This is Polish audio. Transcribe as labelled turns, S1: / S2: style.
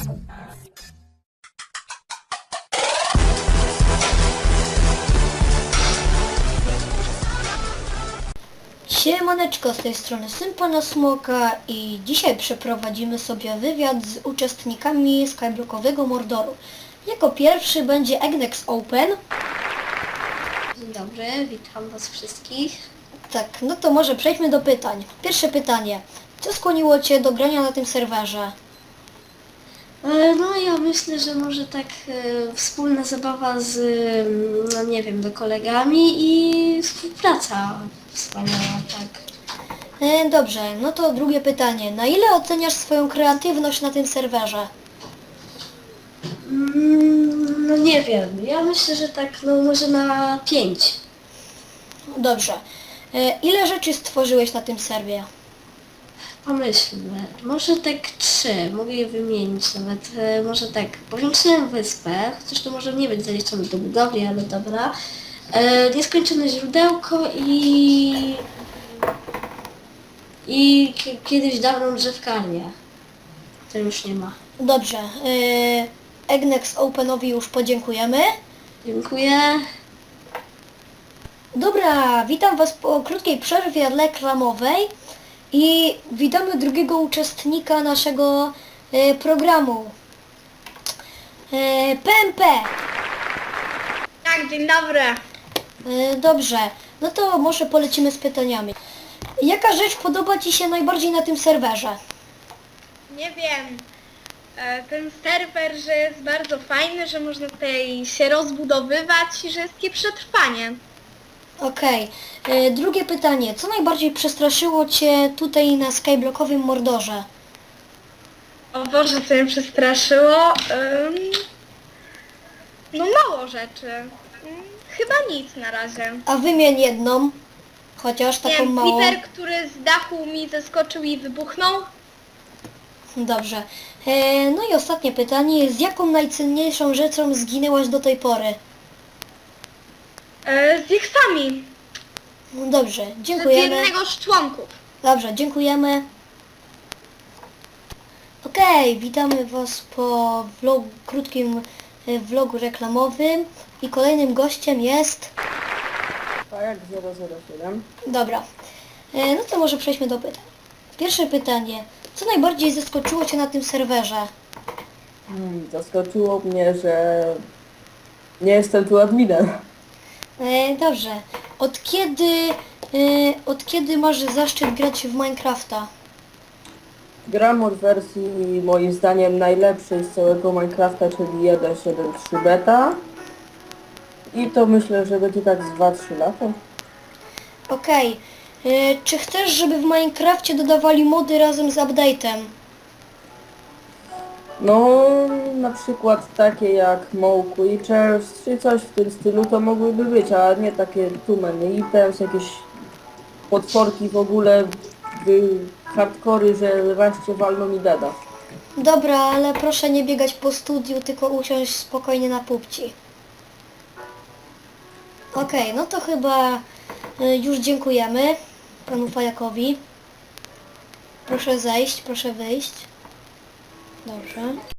S1: Siemaneczko, z tej strony Syn Pana Smoka i dzisiaj przeprowadzimy sobie wywiad z uczestnikami skyblockowego Mordoru. Jako pierwszy będzie Egnex Open.
S2: Dzień dobry, witam was wszystkich.
S1: Tak, no to może przejdźmy do pytań. Pierwsze pytanie. Co skłoniło Cię do grania na tym serwerze?
S2: No ja myślę, że może tak wspólna zabawa z, no nie wiem, kolegami i współpraca wspaniała, tak.
S1: Dobrze, no to drugie pytanie. Na ile oceniasz swoją kreatywność na tym serwerze?
S2: No nie wiem, ja myślę, że tak, no może na 5.
S1: Dobrze. Ile rzeczy stworzyłeś na tym serwie?
S2: Pomyślmy, może tak 3, mogę je wymienić nawet, może tak, powiększyłem wyspę, chociaż to może nie być zaliczone do budowli, ale dobra. Nieskończone źródełko i kiedyś dawną drzewkarnię. To już nie ma.
S1: Dobrze. Egnex Openowi już podziękujemy.
S2: Dziękuję.
S1: Dobra, witam Was po krótkiej przerwie reklamowej i witamy drugiego uczestnika naszego programu. PMP.
S3: Tak, dzień dobry.
S1: Dobrze, no to może polecimy z pytaniami. Jaka rzecz podoba Ci się najbardziej na tym serwerze?
S3: Nie wiem, ten serwer, że jest bardzo fajny, że można tutaj się rozbudowywać i że jest takie przetrwanie.
S1: Okej. Drugie pytanie. Co najbardziej przestraszyło Cię tutaj na skyblockowym Mordorze?
S3: O Boże, co mnie przestraszyło? No mało rzeczy. Chyba nic na razie.
S1: A wymień jedną, chociaż
S3: Nie
S1: taką
S3: wiem,
S1: małą.
S3: Peter, który z dachu mi zeskoczył i wybuchnął.
S1: Dobrze. No i ostatnie pytanie. Z jaką najcenniejszą rzeczą zginęłaś do tej pory?
S3: Z jeksami.
S1: Dobrze,
S3: Z
S1: dziękujemy.
S3: jednego z członków.
S1: Dobrze, dziękujemy. Okej, witamy Was po krótkim vlogu reklamowym i kolejnym gościem jest...
S4: Tak, 007.
S1: Dobra, no to może przejdźmy do pytań. Pierwsze pytanie. Co najbardziej zaskoczyło Cię na tym serwerze?
S4: Zaskoczyło mnie, że nie jestem tu adminem.
S1: Dobrze. Od kiedy masz zaszczyt grać w Minecrafta?
S4: Gram od wersji moim zdaniem najlepszej z całego Minecrafta, czyli 1.7.3 beta. I to myślę, że będzie tak z 2-3 lata.
S1: Okej. Czy chcesz, żeby w Minecrafcie dodawali mody razem z update'em?
S4: No, na przykład takie jak Mow Creatures, czy coś w tym stylu to mogłyby być, a nie takie too many items, jakieś potworki w ogóle, hardcory, że wreszcie walną mi deda.
S1: Dobra, ale proszę nie biegać po studiu, tylko usiąść spokojnie na pupci. Okej, no to chyba już dziękujemy panu Fajakowi. Proszę zejść, proszę wyjść. Dobrze.